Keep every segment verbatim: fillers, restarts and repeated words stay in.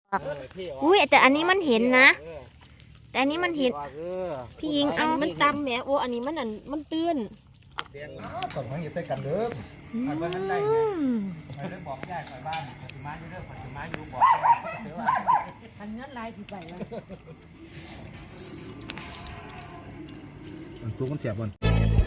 อุ้ยแต่อันนี้มันเห็นนะแต่อันนี้มันเห็นพี่ยิงเอามันตำแหมโอ้อันนี้มันอันมันตื้นต้องมันอยู่ใต้กันเด้ออันว่าท่านได้ไงใครได้บอกยายใครบ้านปฏิมาอยู่เด้อปฏิมาอยู่บอกเดี๋ยวว่าอันนั้นลายสิไปแล้วจุกมันเสียบมัน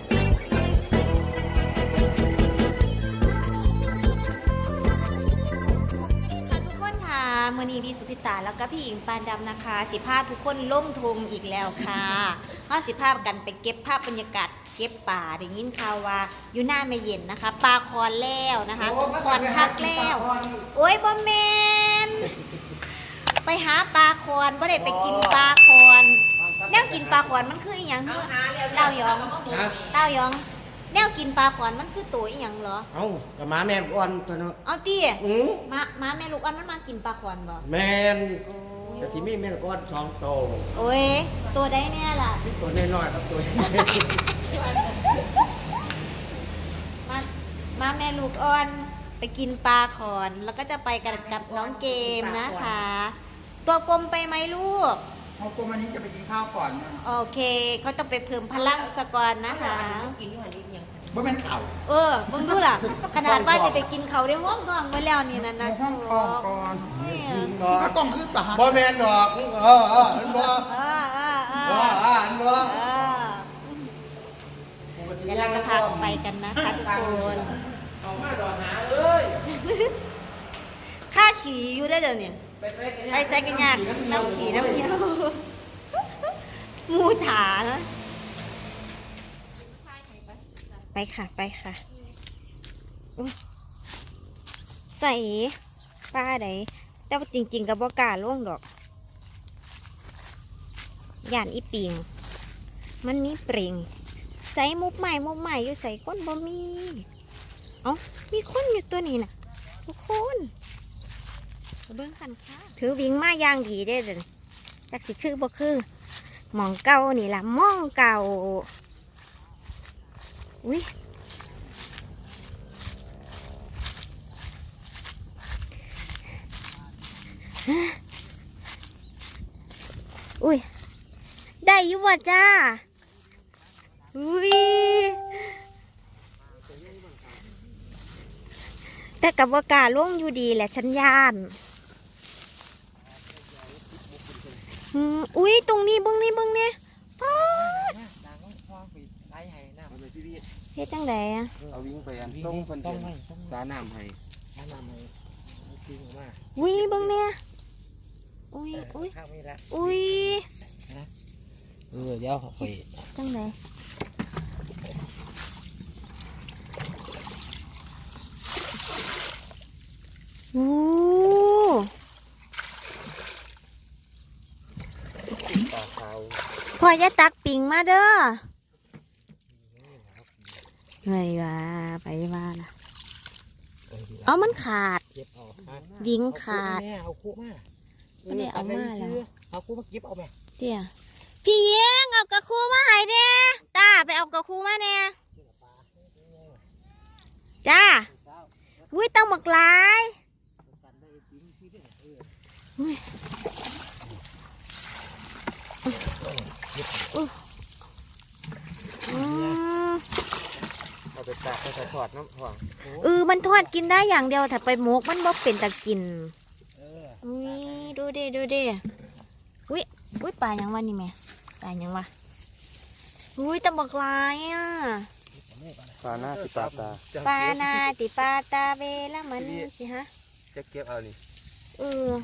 มื่อนี้พี่สุพิตาแล้วก็พี่หญิงปานดำนะคะสิภาพทุกคนล่มทงอีกแล้วค่ะห้าสิภาพกันไปเก็บภาพบรรยากาศเก็บป่าได้ยินข่าวว่าอยู่หน้าไม่เย็นนะคะปลาคอนแล้วนะคะคอนคักแล้วโอ้ยบอมแมนไปหาปลาคอนบ่ได้ไปกินปลาคอนแนวกินปลาคอนมันคืออีหยังเต้ายองเต้ายองแนวกินปลาขอนมันคือตัวอีหยังเหรอเอ้ากับม้าแม่อ่อนตัวเนาะเอาตีม้าม้าแม่ลูกอ่อนมันมากินปลาขอนบ่แม่นแต่ที่มีแม่ลูกอ่อนสองโตโอ้ยตัวได้แน่ล่ะตัวน้อยๆครับตัวมาม้าแม่ลูกอ่อนไปกินปลาขอนแล้วก็จะไปกันกับน้องเกมนะคะตัวกลมไปไหมลูกเอากลมอันนี้จะไปกินข้าวก่อนโอเคเขาต้องไปเพิ่มพลังสก่อนนะคะบ่เป็นข่าวเออมึงดูล่ะขนาดว่าจะไปกินเขาได้ห้องกองไว้แล้วนี่นะนะช่วงก่อนก็กองคือตาบ่แม่นดอกเออเออมันบ่เออเออเออบ่อ่ามันบ่เดี๋ยวเราจะพาไปกันนะคะทุกคนเอามาดอกหาเอ้ยค่าขี่อยู่ได้เดี๋ยวนี้ไปใส่กันยากน้ำขี่น้ำเยี่ยวมูถานะไปค่ะไปค่ะใส่ปลาไหนแต่ว่าจริงๆกับบ่กล้าล่วงดอกย่านอีปิงมันมีเปล่งใส่มุกใหม่มุกใหม่อยู่ใส่ก้นบ่มีเอ้ามีคนอยู่ตัวนี้น่ะทุกคนเบิ้งคันค่ะถือวิ่งมาย่างดีได้เลยจักสิคือบ่คือหมองเก่านี่ล่ะมองเก่าอุ้ยอุ้ยได้อยู่ว่ะจ้าอุ้ยแต่กับว่ากาล่วงอยู่ดีแหละฉันย่านอุ้ยตรงนี้เบิ้งนี่เบิ้งเนี่ยพ่อเฮ็ดจังไดอ่ะเอาวิ่งไปอันต้องคนต้องสาน้ำให้สาน้ำให้จริงมากอุ้ยเบิ้งเนี่ยอุ้ยอุ้ยอุ้ยเออเดี๋ยวไปจังไดโอ้พ่อจะตักปิ่งมาเด้อไงวะไปว่าล่ะเอามันขาดวิ่งขาดเอาคู่มาไม่ได้เอามาแล้วเอาคู่มาเก็บเอาไหมเดี๋ยวพี่เย้งเอากระคูมาให้เนี่ยตาไปเอากระคูมาเนี่ยจ้าอุ้ยต้องหมกลายเอาไปตากไปทอดน้ำห่วงเออมันทอดกินได้อย่างเดียวถ้าไปหมกมันบ่เป็นตะกินอุ้ยดูดิดูดิอุ้ยอุ้ยปลายังวะนี่แม่ปลายังวะอุ้ยตะบอกลายอ่ะปลาหน้าติปลาตาปลาหน้าติปลาตาเวละมันสิฮะจะเก็บเอานี่เออ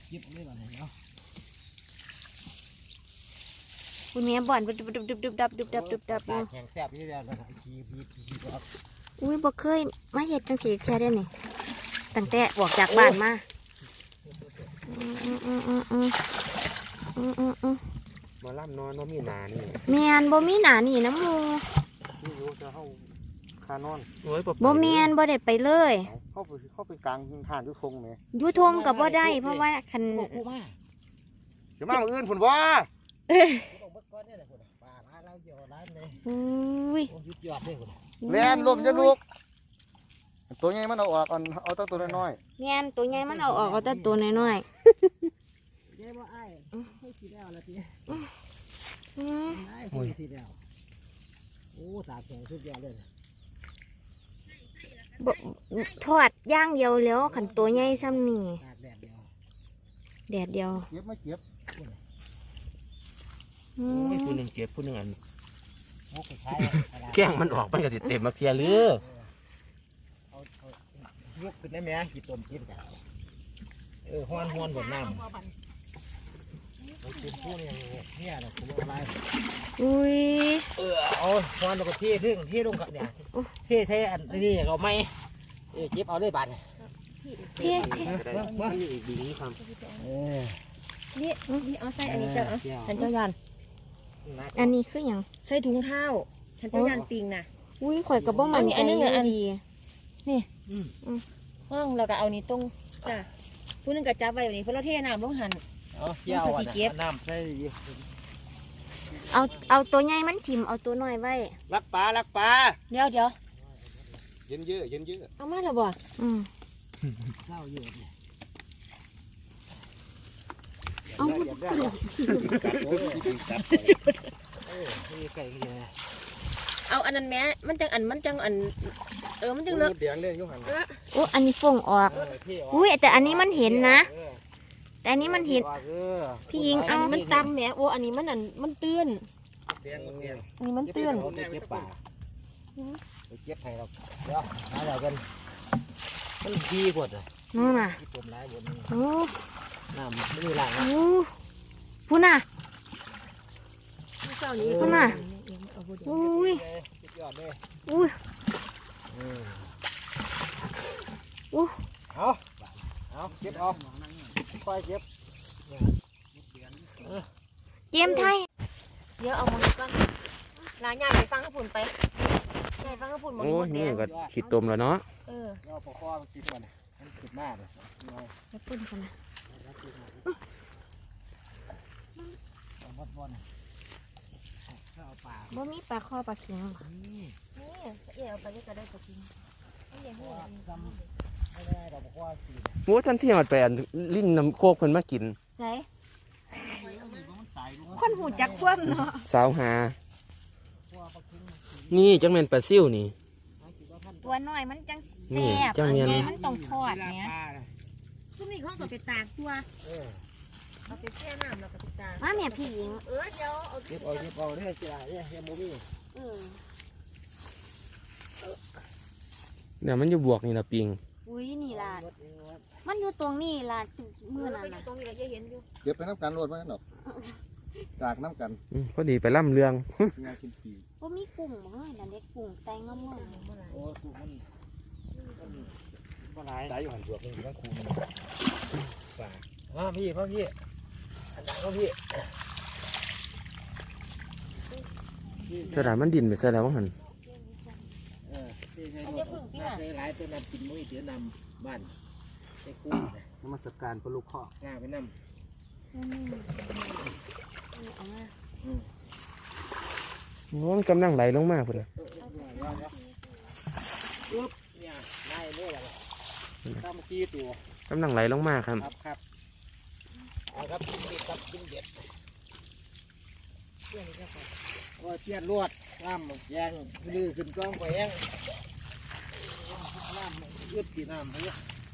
คุณแม่บ่อนดุบดุบดุบดุบดับดุบดับดุบดับอยู่แข็งแซ่บนี่แล้วนะขี้พีขี้ครับอุ้ยบ่เคยมาเห็ดจังสีแค่ได้นี่ตั้งแต่ออกจากบ้านมาอืมอืมอืมอืมอืมอืมอืมมาล่ำนอนว่ามีหนานี่แมนบ่มีหนานี่น้ำมูนี่รู้จะเข้าคานอนบ่แมนบ่ได้ไปเลยเข้าไปเข้าไปกลางทานยุทงไหมยุทงกับบ่ได้เพราะว่าคันจะมาอื่นผุนว่าอุ้ยแลนลมจะลุกตัวใหญ่มันเอาออกเอาตัวตัวน้อยแงนตัวใหญ่มันเอาออกเอาแต่ตัวน้อยสีแล้วละทีอืมได้คุยสีแล้วโอ้ตากแข็งสุดยอดเลยบ่ทอดย่างเดียวแล้วขันตัวใหญ่ซ้ำนี่ตากแดดเดียวแดดเดียวเก็บไม่เก็บอืมโอ้ยผู้หนึ่งเก็บผู้หนึ่งอันโอ้กระชายแข้งมันออกมันก็สิเต็มมาเทียหรือเอาเอายกขึ้นได้ไหมกี่ต้นกินกันเออห้อนห้อนบนน้ำมันเป็นพวกนี้เนี่ยนะผมอะไรอุ้ยเออเอาห้อนแล้วก็เทรึ่งเทลงกับเนี่ยโอ้เทใช้อันนี้เราไม่เออเก็บเอาได้บาทเท่เท่มันมีอีกดีนี้ความเออนี่นี่เอาใส่อันนี้เจ้าเอาฉันเจ้ายันอันนี้คืออย่างใส่ถุงเท้าฉันเจ้ายันปิงน่ะอุ้ยข่อยกับบ่มันใจอันนี้อันนี้อันดีห้องเราก็เอานี้ตรงจ้ะผู้หนึงก็จับไว้แบบนี้เพราะเราเทน้ำลงหันเอาเที่ยวอ่ะน้ำใส่ดีเอาเอาตัวใหญ่มันถิ่มเอาตัวน้อยไว้รักปลารักปลาเดี๋ยวเดี๋ยวเย็นเยอะเย็นเยอะเอามาแล้วบ่อืมเศร้าอยู่เนี่ยเอาอยากได้อยากกัดโอ้ยกัดเออนี่ไก่กี่ไงเอาอันนั้นแม้มันจังอันมันจังอันเออมันจังเลิกเดียงเนี่ยยุ่งหันโอ้อันนี้ฟงออก อุ้ยแต่อันนี้มันเห็นนะ แต่อันนี้มันเห็น พี่ยิงอัเอานนี้มันตำแหมโอ้อันนี้มันอันมันเตือนเดียงเดียงอันนี้มันเตือนไปเก็บป่าไปเก็บให้เราเดี๋ยวหาเรากันมันดีกว่าอ่ะนู่นน่ะที่ต้มร้ายบนโอ้น้ำไม่มีหลังโอ้พูน่ะเจ้านี้พุ่นน่ะ อุ้ยสุดยอดเลยอุ้ย อู้เอาเอาเก็บเอาค่อยเก็บเจมส์ไทยเดี๋ยวเอามาก่อนลาใหญ่ไปฟังข้าพุ่นไปใหญ่ฟังข้าพุ่นหมดโอ้หมยดนี่แดงก็ขีดตมแล้วเนาะเออเอาปอกคอมันติดมันมันติดมากเลยไปปุ่นกันนะเอาบดบดเอาปลาบ่มีปลาคอปลาเข็งบ่นี่นี่เอ๋เอาไปได้ก็ได้ก็กินเอาอย่างนี้จำไม่ได้เราบอกว่าติดโอ้ท่านที่มันไปอันลิ้นน้ำโคกเพิ่นมากินไหนมันตายรู้คนหูจักคว่ำเนาะสาวหาว่าปลาเค็งนี่จังแม่นปลาซิ่วนี่ตัวน้อยมันจังนี่แซ่บจังอันเนียนใหญ่มันต้องทอดเนี้ยทุกนี่เขาก็ไปตากตัวเออเอาไปแช่น้ำแล้วก็ไปตากมาแม่พี่หญิงเออเดี๋ยวเอาเก็บเอาเก็บเอาเนี่ยเสียเนี่ยเฮียโมมี่เออเนี่ยมันอยู่บวกนี่ละปิงอุ้ยนี่ล่ะมันอยู่ตรงนี้ล่ะมือนั่นไปน่ะตรงนี้เราจะเห็นอยู่เก็บไปน้ำกันรวดไว้หนอกจากน้ำกันอืมพอดีไปล่ำเรืองงานชิ้นปีบ่มีกุ้งบ่เฮ้ยนั่นเด็กกุ้งแตงงามโอ้กูมันมันมันหลายสายอยู่หันบวกนี่อยู่ทั้งคูมันป่ามาพี่มาพี่อันนั้นก็พี่สระมันดินไปซะแล้วว่าหันเออพี่ใช้รถใช้หลายตัวนำกินมุ้ยเดี๋ยวนำบ้านใช้กุ้งน้ำมันสการปลาลูกข้อง่าไปนำๆอืมเอามาโอ้มันกำลังไหลลงมาพุ่นเลยปึ๊บเนี่ยไล่เนี่ยแหละตั้มกี้ตัวกำลังไหลลงมาครับครับครับเอาครับกินเด็ดครับกินเด็ดก็เชียดลวดน้ำแยงลือขึ้นกองไปแยงน้ำยืดกี่น้ำเยอะ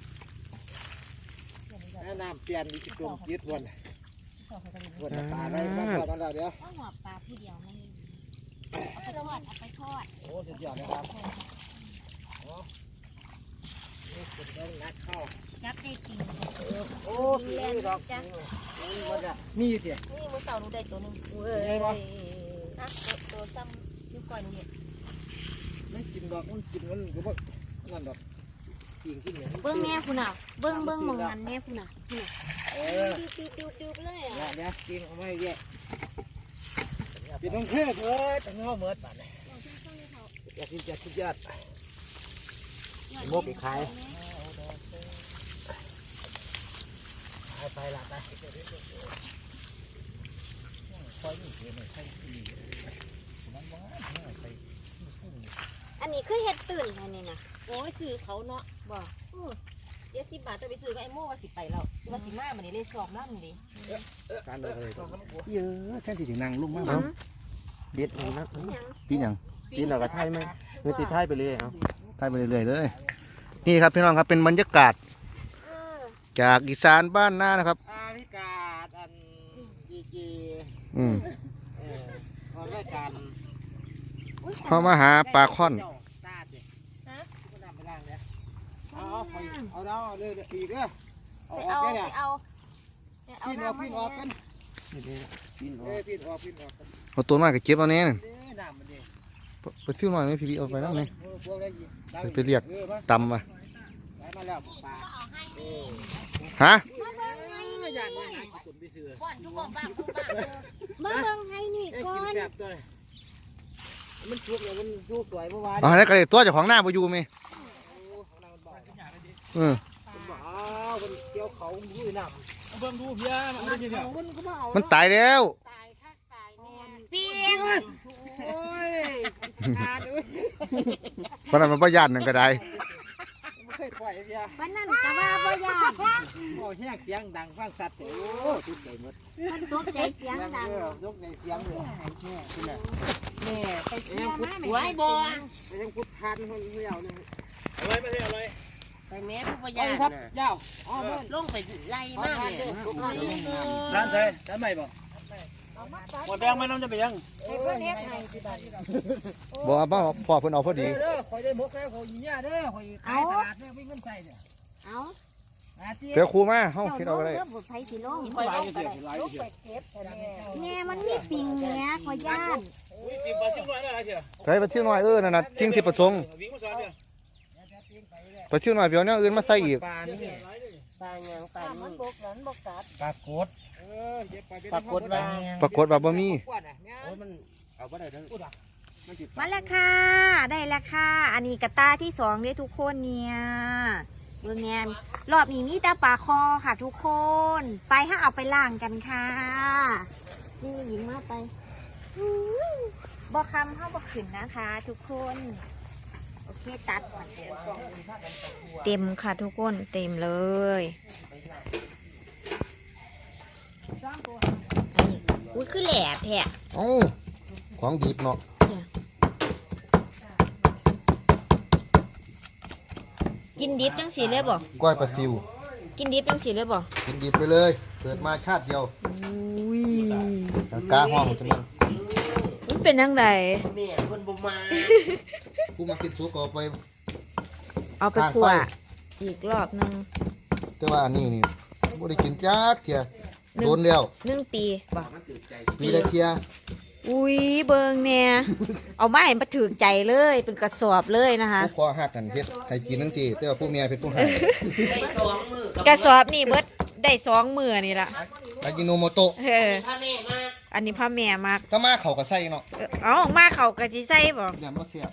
น้ำเปลี่ยนมีกลมยืดวนวนปลาได้มาทอดมาแล้วเดี๋ยวเอาหัวปลาผู้เดียวมันเอาไปทอดเอาไปทอดโอ้สุดยอดเลยครับโอ้นี่สุดยอดนัดเข้าจับได้จริงโอ้ยดอกจังมีอยู่เดียวนี่มือเสาหนูได้ตัวหนึงเอ้ยบ่นะตัวซ้ำนิ้วก้อยหนูเนี่ยไม่กินดอกมันกินมันก็บ่นั่นดอกกินกินอย่างเบิ้งแม่คุณน่ะเบิ้งเบิ้งหมองนั้นแม่คุณน่ะคุณน่ะเออติวติวติวไปเลยอ่ะเดี๋ยวกินเอาไม่แย่กินต้องเคื่อเถิดต้องเอาเมิดป่านอยากกินจัดสุดยอดโมกไปขายขายไปละไปอันนี้คือเห็ดตื่นอันนี้นะโอ้ยสื่อเขาเนาะบอกอือเจ็ดสิบบาทจะไปซื้อกับไอ้โม่ว่าสิไปแล้วว่าสิมามันนี่เลยสอบน้ำนี่การเลยเยอะแท่นที่ถึงนางลุกมากเอาเบ็ดนี่นะปีหยังกินเราก็ไทยไหมเนื้อตีไทยไปเลยเอาตายไปเรื่อยๆเลย นี่ครับพี่น้องครับเป็นบรรยากาศ จากอีสานบ้านนานะครับอาพิกาดอันจีจีอืมเออพอรายการเขามาหาปลาค่อนเจ้ตาดิฮะก็นำไปล่างเนี่ยเอาเอาไปเอาเอาเอาเลยอีกเด้อเอาไปออกเอาได้ไปเนี่ยเอาพินออกพินออกกันกินเอ้ยพินออกพินออกกันเอาตัวมากกับเก็บเอาแน่น่ะเด้อน้ำมันเด้ไปฟิวหน่อยไหมพี่พี่เอาไปแล้วไหมเออพวกได้ยินได้ไปเรียกออมาตำมาได้มาแล้วปลาเออฮะเอออย่าเนี่ยหาขี้ตุ่มไปซื้อก่อนทุกคนบ้างทุกบ้างมาเบิ่งให้นี่ไอ้ก่อกินนแซ่บตัวเลยมันชุบเลยมันชุบสวยเมื่อวานเอาให้กันเลยตัวเจ้าของหน้าไปอยู่ไหมโอ้ของเรามันบ่อยเออว้าวมันเกี่ยวเขามันอยู่ในน้ำเบิ่งดูเพี้ยมันเอาไปเอามันก็มาเอามันตายแล้วตายคักตายแน่เปียงโอ้ยขาดเลยเพราะนั้นมันประหยัดนั่นก็ได้ไม่เคยปล่อยเพี้ยวันนั้นก็ว่าบ่ยานโอ้แห้งเสียงดังฟังสัตว์โอ้ทุกใจหมดมันตกใจเสียงดังเออทุกใจเสียงเลยแม่คุณน่ะแม่ไปเที่ยวมาแม่ไว้บ่ไปยังพุทธานคนเดียวเลยไปแม่ผู้ประหเอายัดครับน่ะยาวอ๋อเพิ่นลงไปไล่มากเลยร้านใส่ร้านใหม่บ่หมดแดงไม่น้องจะไปยังเพิ่นเฮ็ดให้ที่บ้านบอกว่าพ่อเพิ่นเอาพอเด้ดีอเด้อคอยได้หมกแล้วคอยอยู่เนี่ยเด้อคอยขายตลาดเด้อไม่เงินใส่เนี่ยเอาอาทิเดี๋ยวครูมาเฮ้าเจ้าคิดลเอางอะไรเรื่องบุตรไผสิลงหลายเดียวหลายเดียวแม่มันมีปิงแหน่ขอย่านอุ้ยจิ้มปลาจิ้มน้อยอะไรเชียวใส่ไปเที่ยวหน่อยเออนั่นน่ะทิ้งที่ประสงค์วิ่งมาสอนเชียวไปเที่ยวหน่อยเดี๋ยวเนี้อื่นมาใส่อีกปลานี่ปลาหยังปลานี่ปลากดเออเก็บไปปรากฏว่าปรากฏว่าบ่มีกว่าน่ะเนี่ยโอ้ยมันเอาไปได้ทั้งมันติดมาแล้วค่ะ ได้แล้วค่ะ อันนี้กระตาที่สองเนี่ยทุกคนเนี่ยเบิ่งแง่รอบนี้มีแต่ปลาคอค่ะทุกคน ไปให้เอาไปล่างกันค่ะ นี่หญิงมาไปอู้บ่คำเข้าบ่ขึ้นนะคะ ทุกคน โอเคตัด เต็มค่ะทุกคน เต็มเลยอุ้ยคือแหลบแท้เอ้าของดีบเนาะกินดิบจังสีเลยบ่ก้อยปลาซิวกินดิบจังสีเลยบ่กินดิบไปเลย เกิดมาชาติเดียวอุ้ยกาห้องจะมันมันเป็นยังไงแม่คนบ่มากูมากินซุปก็เอาไปเอาไปขั่วอีกรอบหนึงแต่ว่าอันนี้นี่บ่ได้กินจักเที่ยโดนแล้วหนึ่งปีบ่ปีละเที่ยอุ้ยเบิงเนี่ยเอามาให้มาถือใจเลย เป็นกระสอบเลยนะคะผู้คอหักกันเฮ็ดให้กินทั้งทีแต่ว่าผู้เมียเป็นผู้ให้ได้สองมือกระสอบนี่เบิดได้สองมือนี่ละอากิโนโมโตะเออพาแม่มาอันนี้พ่อแม่มากถ้ามาเขาก็ใส่เนาะเออเอามาเขากะจิใส่บ่อย่ามาเสียบ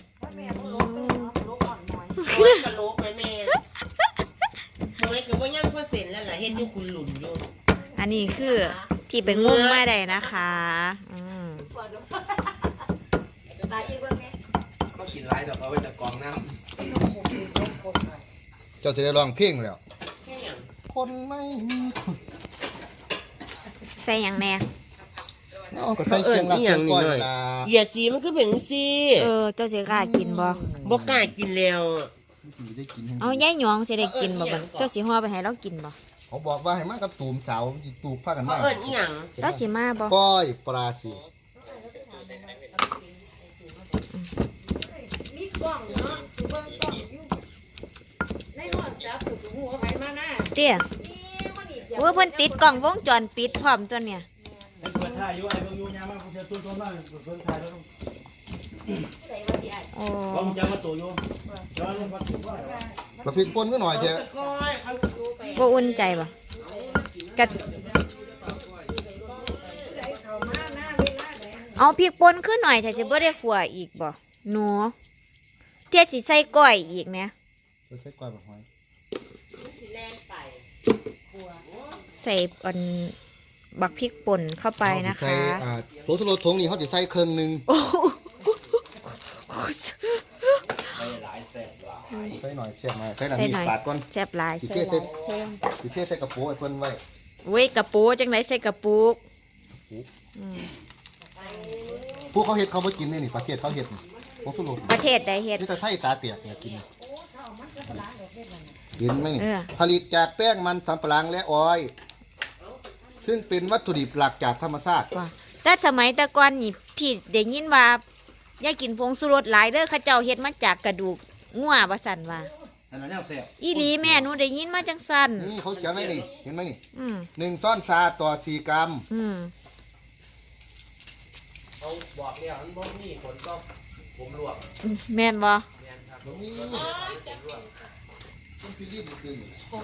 โอ้ยกะโหลกแม่แม่ทำไมคือว่ายังพอเสร็จแล้วล่ะเฮ็ดอยู่คุณหลุนอยู่อันนี้คือที่เป็นงุ้มมาได้นะคะอืมก็กินหลายดอกเอาไว้แต่กองน้เจ้าจะได้ร้องเพลงแล้วแค่หยังคนไม่มีคนใส่หยังแน่เอาก็ใส่เสียงรักเสียงก้อยล่ะเหยียดสีมันคือเป็นสีเออเจ้าสิกล้ากินบ่บ่กล้ากินแล้วสิได้กินให้เอาย่ายหยองสิได้กินบ่บัดเจ้าสิห่อไปให้เรากินบ่เขาบอกว่าให้มากับตูมสาวสิตูบพากันเขามาเอิ้นอีหยังเราสิมาบ่ก้อยปลาสิเตี้ยโอ้ยเพิ่นติดกล้องวงจรปิดพร้อมตัวเนี่ยไอ้เปิดถ่ายอยู่ไอ้เบิ่งอยู่ยามมาเจอตัวตัวมาเปิดถ่ายแล้วโอ้ลองจังมาตัวอยู่ย้อนลงมาตัวว่าเราผิดปนก็หน่อยเถอะก้อยเขาบ่อุ่นใจบ่กะเอาพริกป่นขึ้นหน่อยถ้าสิบ่ได้ขัวอีกบ่หนูเที่ยสิใส่ก้อยอีกเนี่ยเราใช้ก้อยแบบหอยแล่นไปใส่อันบักพริกป่นเข้าไปนะเขาสิใส่คะอ่าโถสโลทงนี่เขาจะใส่เครื่องหนึงโอ้โหไปหลายแสนหลายใส่หน่อยเสียบหน่อยใส่หน่อยใส่มีหน่อยปาดก่อนแซ่บหลายสิเทใส่สิเทใส่กระโปรงไอ้เพิ่นไว้เว้ยกระปูจังไหนใส่กระปุกอืมผู้เขาเฮ็ดเขาบ่กินนี่นี่ประเทศเขาเฮ็ดนี่ผงชูรสประเทศใดเฮ็ดนี่แต่ไทยตาเตียกเนี่ยกินเห็นไหมนี่เออผลิตจากแป้งมันสำปะหลังและออยล์ซึ่งเป็นวัตถุดิบหลักจากธรรมชาติว่าแต่สมัยแต่ก่อนนี่พี่ได้ยินว่าอย่ากินผงสุรสหลายเด้อเขาเจ้าเฮ็ดมาจากกระดูกงัวว่าซั่นว่าอันนั้นยังแซ่บอีหลีแม่หนูได้ยินมาจังซั่นนี่เขาเขียนไว้นี่เห็นไหมนี่อืมหนึ่งซ้อนซาต่อสี่กรัมอืมเขาบอกแล้วมันบ่มีผลก็ผมลวกแม่นบ่แม่นครับนี่ผมลวกต้องพิลีบดึง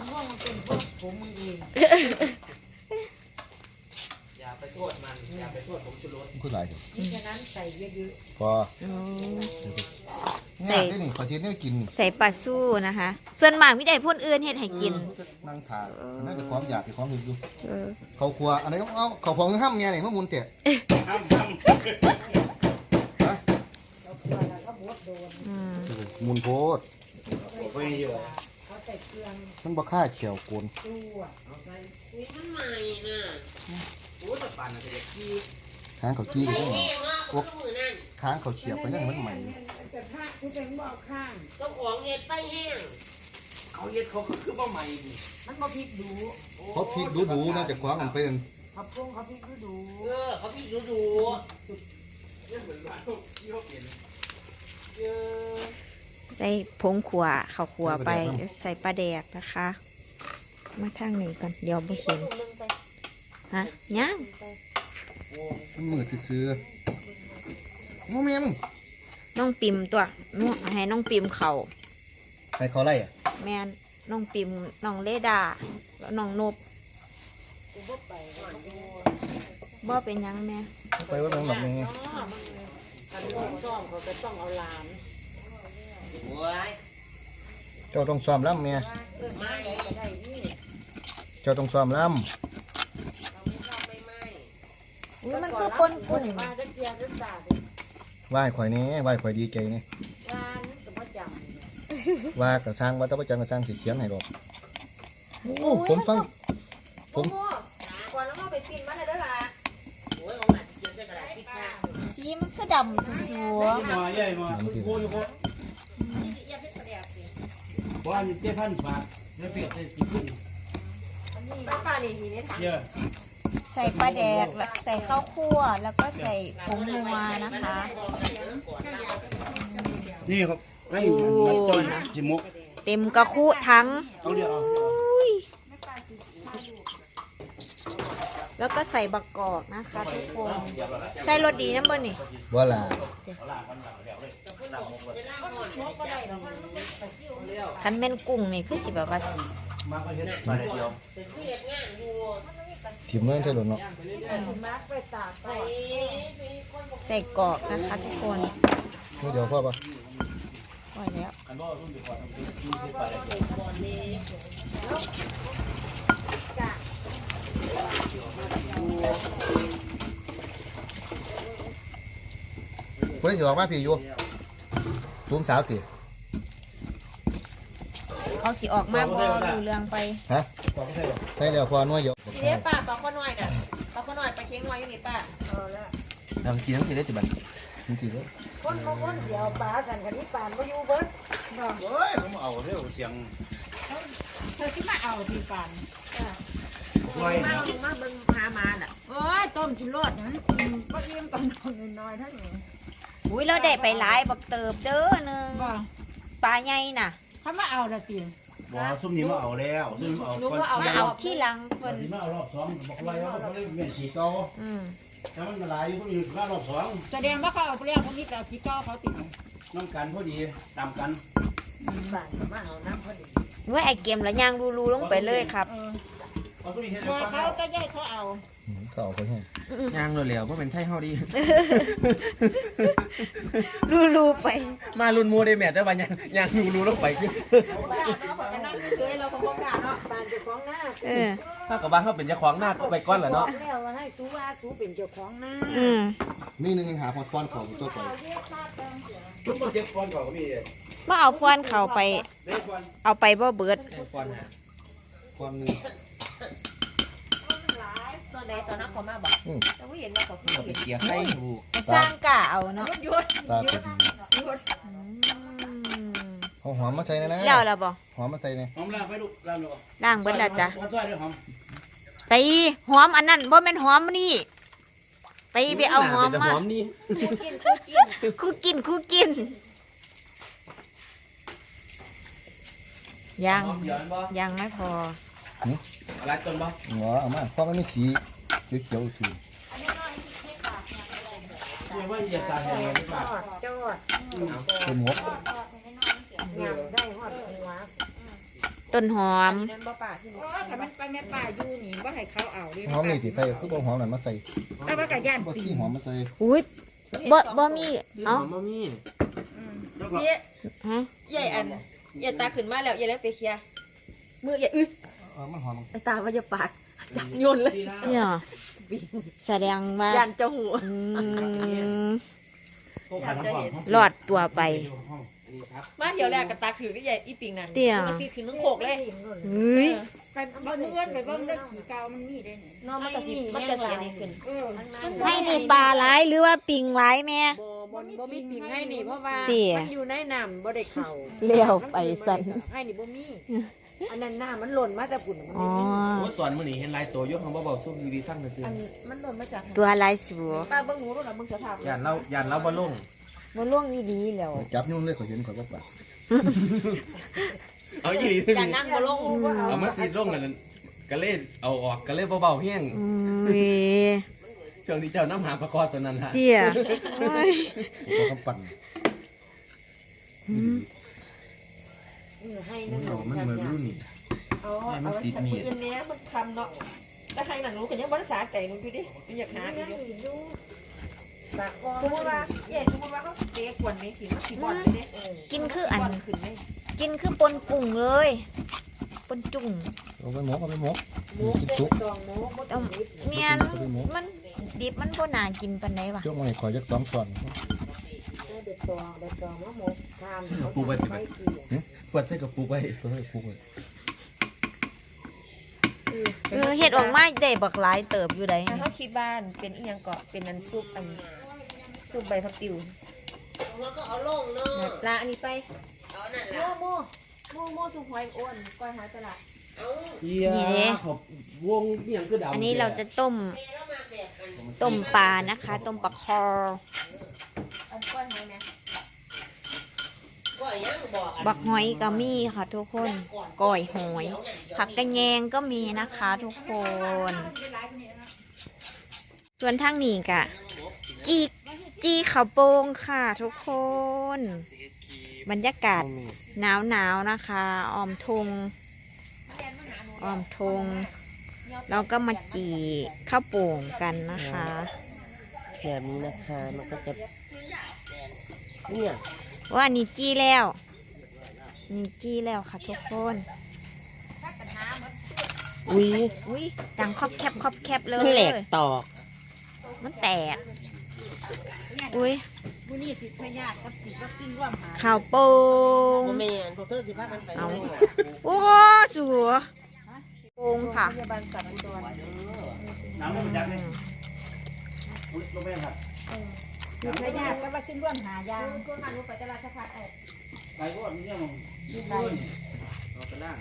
อย่าไปโทษมันอย่าไปโทษผมชูรสคือหลายจังฉะนั้นใส่เยอะพอโอ้ง่ายได้นี่ขอเทียนเนี่ยกินนี่ใส่ปลาสู้นะคะ ส่วนมากมีได้พ่นอื่นเฮ็ดให้กินนั่งทานนั่นเป็นความอยากเป็นความหิวอยู่เออเขาครัวอันไหนต้องเอาเขาของห้ามเมียนี่มะมุนเตะห้ามห้ามฮะอืมมุนโพดผมไม่อยู่มันบ่ค่าเฉียวโกนมันใหม่น่ะโอ้แต่ปั่นน่ะก็อยากขี้ค้างเขาจี้ไปได้ไงโอ๊กค้างเขาเฉียบไปได้มันใหม่เจ้าของเห็ดไฟแห้งเขาเห็ดเขาก็คือบ่ใหม่ดิมันบ่พริกดูเขาพริกดูดูๆนะจะคว้ามันเป็นเขาปรุงเขาพริกดูดูเออเขาพี่ดูดูเนี่ยเหมือนว่าที่เขาเปลี่ยนเยอะใส่ผงขัวข้าวขัวไปใส่ปลาแดกนะคะ มาทางนี้ก่อนเดี๋ยวบ่เห็นฮะยังมันมือซื้อๆโมเมมน้องปิมตัวนู่นให้น้องปิมเขาใครเขาไล่อะแม่นน้องปิมน้องเลดาแล้วน้องนบบ่เป็นหยังแม่ไปว่าเป็นแบบนี้กันลงซ่อมเขาก็ต้องเอาหลานโอ้ยเจ้าต้องซ้อมล่ำเมียเออไม่ก็ได้นี่เจ้าต้องซ้อมล่อุ๊ยมันคือปนกุ้งมาก็เทียนรึจ่าำไหว้ข่อยนี้ไหว้ข่อยดีใจนี่ร้านก็บ่จว่ากับช่างว่าต้องไปจังกับช่างสิเขียนให้ดอกโอ้ผมฟังำผมก่อนแล้วมาไปปิ้นมาเลยเด้อล่ะโอ้ยของหนักเกินได้กระดาษที่ข้างสีมันคือดำคือสัวมาใหญ่มาโก้ยโก้ว่ามีเต้พันฝากแล้วเปลี่ยนใส่กี่ขึ้นป้าป้านี่มีในถังเยอะใส่ปลาแดกแล้วใส่ข้าวคั่วแล้วก็ใส่ผงนัวนะคะนี่ครับให้มันต้นจิมุกเต็มกระคุทั้งเอาเดี๋ยวเอาอุ้ยแล้วก็ใส่บักกอกนะคะทุกคนใส่รสดีน้ำเบอร์นี่ว่าล่ะคันเป็นกุ้งนี่คือสิแบบว่ามาก็เห็นมาเดียวถิ่มเงื่อนใช่หรือเนาะมาร์กไปตากก่อนใส่กรอกนะคะทุกคนนี่เดี๋ยวพ่อปะปล่อยแล้วเพื่อนสิออกมาพี่อยู่ตุ้มสาวตีเขาสิออกมาบอดูเรื่องไปฮะใช่แล้วพอนัวเยอะทีนี้ป้าปลาข้อน้อยน่ะปลาข้อน้อยปลาเค็งน้อยอยู่นี่ป้าเออแล้วทำกินทั้งทีได้จิบันมันกี่เลยคนเขาคนเดียวปลาสันกันนี่ปานบ่อยู่เบิดเฮ้ยผมเอาเรื่องเสียงเธอสิมาเอาที่ปานลอยมาเนาะมาเบิ่งหามาน่ะโอ้ยต้มกินรสนั้นบ่อิ่มกับน้องน้อยๆเท่านี้อุ้ยเราได้ไปหลายบักเติบเด้อหนึงบ่ปลาใหญ่น่ะเขามาเอาละติบอกซุ่มนี้มาเอาแล้วซุ่มเอาหนูก็เอามาเอาที่หลังคเพิ่นนที่มาเอารอบสองบอกไรว่าเขาเล่นเมียนขี่เก่าอืมแต่มันหลายอยู่คนอื่นมารอบสองแสดงว่าเขาเอาไปแล้วคนนี้แต่ขี้ก้อเขาติดน้ำกันพอดีตามกันบ้านมาเอาน้ำพอดีเมื่อไอเกมแล้วย่างรูๆลงไปเลยครับเอาตัวนี้เห็นพอเขาก็ย่ายเขาเอาอืมก็เอาไปให้ย่างเร็วๆเพราะเป็นไทยเฮาดีรูๆไปมาลุนมูได้แมทได้ป่ะย่างย่างรูๆลงไปคือบ้านเนาะพอจะนั่งเฉยเราก็บ่กล้าเนาะบ้านเจ้าของหน้าเออถ้ากับบ้านเขาเป็นเจ้าของหน้าก็ไปก้อนแหละเนาะแล้วว่าให้สูว่าสูเป็นเจ้าของหน้าอืมมีหนึงยังหาพอดฟอนของตัวไปทุกคนเจ็บก่อนก่อนก็มีฮมาเอาฟอนเขาไปเด็กวันเอาไปบ่เบิดก่อนหาความนึงตอนใดตอนนั้นเขามาบอกอืมแต่ว่าเห็นว่าเขาคือเอาไปเห็นเกี่ยให้ถูกสร้างกะเอาเนาะหยุดตาเป็นอืมเอาหอมมาใส่นะนะแล้วล่ะบ่หอมมาใส่เนี่ยหอมล่างไปลูกล่างลูกล้างเบิดแล้วจ้ะมาซอยด้วยหอมไปหอมอันนั้นบ่แม่นหอมนี่ไปไปเอาหอมแต่มาหอมนี่คู่กินคู่กินคู่กินคู่กินยังหอมเดี๋ยวบ่ยังไม่พออะไรต้นบ่หัวเอามาเพราะมันมีสีเขียวๆสีช่วยว่าเหยียบตาแห้งเลยจอดจอดเป็นหมกงามได้หอดหัวต้นหอมนั่นบ่ป่าที่นี่ถ้ามันไปแม่ป่าอยู่นี่ว่าให้เขาเอาดิหอมนี่สิใส่คือบ่หอมนั่นมาใส่แต่ว่ากับย่านบ่ปีสีหอมมาใส่อุ้ยบ่บ่มีเอ้าเอ้าบ่มีเย้ฮะใหญ่อันใหญ่ตาขึ้นมาแล้วใหญ่แล้วไปเคลียร์มือใหญ่อึเออมันหอมไอ้ตาว่าจะปากจับโยนเลยเนี่ยแสดงว่ายันเจ้าหูอืมโคขันน้ำหอมรอดตัวไปมาเดี๋ยวแรกกับตาถือก็ใหญ่อีปิงนั่นเตี้ยมาซีขึ้นทั้งโคกเลยเฮ้ยไปบ้านเพื่อนไปเบ้านเรื่องผีเก่ามันมีได้ไงน้องมันกระสิมันกระสีนี่ขึ้นเออให้นี่ปลาหลายหรือว่าปิงหลายแม่บ่บ่บ่มีปิงให้นี่เพราะว่าเตี้ยมันอยู่ในน้ำบ่ได้เข่าเลี้ยวไปสั่นให้นี่บ่มีอันนั้นน้ำมันหล่นมาแต่ปุ่นมันอ๋อโอ้สอนมื้อนี้เห็นหลายตัวยกของบ่เบาสู้ดีๆทั้งซื่ออันมันหล่นมาจากตัวลายสัวป้าเบิ่งหนูรู้ล่ะมึงจะถามย่านเราย่านเราบ่ลงมันล่วงอีดีแล้วจับยุ่งเลยขอยเห็นขอยก็ปากเอาอีหลีซื่ออย่านั่งบ่ลงเอามาสิลงนั่นก็เลยเอาออกก็เลยเบาๆแห้งอืมเว้ยช่วงที่เจ้าน้ำหาประกอบตัวนั้นฮะเตี้ยโอ้ยขอยก็ปั่นให้นั่งลงมันเหมือนรุ่นนี่เอาเอามันติดนี่อันเนี้ยมันคำเนาะแต่ให้หนังรู้กันยังบ่ได้สาใจหนูอยู่ดิมันอยากหาอยู่สมมติว่าเย่สมมติว่าเขาเตะขวนในสิมันสิบอลไปเด้กินคืออันขึ้นไหมกินคือปนกุ้งเลยปนจุ่งเอาไปหมกเอาไปหมกหมูกินเด็ชุกดองหมูบ่ต้องเมียนมันดิบมันบ่น่ากินปานใดวะยกมาให้ขอยจักสองช้อนเด็ดตองเด็ดตองมะหมูทานปูไว้สิเปิดใส่กับปูไว้ตัวให้คุกเลยเออเฮ็ดออกมาได้บักหลายเติบอยู่ไดถ้าเขาคิดบ้านเป็นอีหยังเกาะเป็นนันซุปอันซุปใบผักติวแล้วก็เอาลงเนาะปลาอันนี้ไปโม่โม่โม่โม่ซุปหอยอ้วนก้อยหอยตลาดเอียขอบวงเอียงคือดำอันนี้เราจะต้มต้มปลานะคะ ต้มปลาคออันก้อยหอยไหมบักหอยก็มีค่ะทุกคนก้อยหอย ผักกระแยงก็มีนะคะทุกคน ส่วนทางนี้กะจีจีข้าวโป่งค่ะทุกคน บรรยากาศหนาวหนาวๆนะคะออมทงออมทงเราก็มาจีข้าวโป่งกันนะคะแบบนี้นะคะมันก็จะเนี่ยว่านี่จี้แล้วนี่จี้แล้วค่ะทุกคนอุ้ยอุ้ยดังครอบแคบครอบแคบเลยแหลกตอกมันแตกอุ้ยมื้อนี้สิพญาติกับสิวัคซีนร่วมหาข้าวโป่งแม่นพวกเธอสิพากันไปเอาโอ้สัวโป่งค่ะพยาบาลสัตว์อุดรน้ำมันจัดเลยอุ้ยลงไปครับสิพญาติกับวัคซีนร่วมหายาก็หันไปตลาดสะพานไอ้ไปก็มีเรื่องของยืดไปเราไปล่าง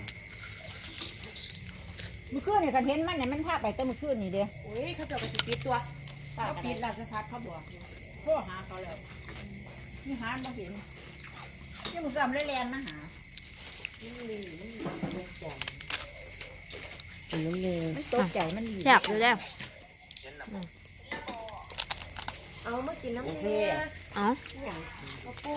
มื้อคืนนี่คันเห็นมันเนี่ยมันพาไปแต่มื้อคืนนี่เด้โอ้ยเขาเจะไปสิปิดตัวเขาปิดราชพัฒเขาบอกโทรหาเขาแล้วนี่หาบ่เห็นนี่มึงซ้ำเลยแลนมาหา มันตกใจมันดีแซ่บอยู่แล้วเอามากินน้ำเกลือเอ้ากระโปรง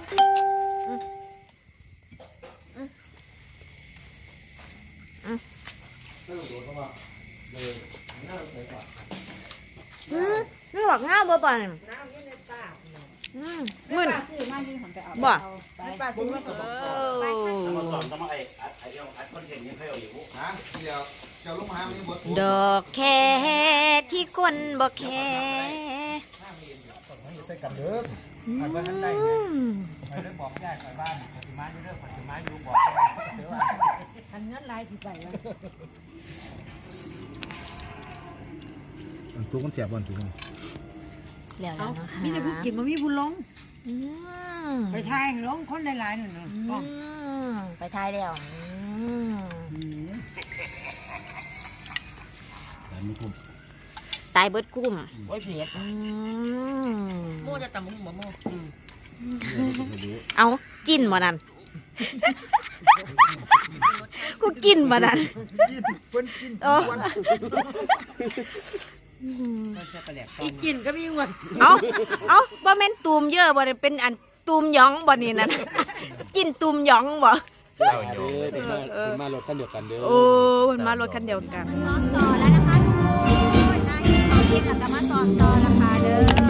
อืมไม่หวักง่าบ่ป่ะเนี่ยน้ำอยืนในปากอืมมื่มึนอซื้อมายืนหันไปเอาบ่เอาไปปากที่มันกระบอกมาสอนต้องมาไอ้ไอ้เรื่องไอ้คอนเทนต์ยังเคยเอาอยู่ฮะเดี๋ยวเจ้าลูกหามีบทดอกแค่ที่คนบ่แค่ใส่กันเด้อขันว่าท่านได้อืเนี่ยมไปเรื่องบอกยายไปบ้านปฏิมาอยู่เรื่องปฏิมาอยู่บอกเดี๋ยวว่าคันเงินลายสิไปแล้วทุกคนเสียบอลทุกคนแล้วเอานะคะมีแต่ผู้กินมามีผู้ลงอืมไปทายลงคนหลายๆนั่นน่ะอืมไปทายแล้วอืมแต่ไม่คุ้มตายเบิดกุ้มโอ้ยเผ็ดอืมโม่จะตำมุ้งบ่โม่เอาจิ้นบ่นั่น กูกินบ่นั่นกินเพิ่นกินโอ้อีกินก็มีวันเอาเอาบ่แม่นตูมเยอะบ่ได้เป็นอันตูมหยองบ่นี่นั่นกินตูมหยองบ่เราเด้อเป็นมาเป็นมารถคันเดียวกันเด้อโอ้มันมารถคันเดียวกันซ้อมต่อแล้วนะคะทุกคนนายเขาเย็นแล้วก็มาซ้อมต่อแล้วค่ะเด้อ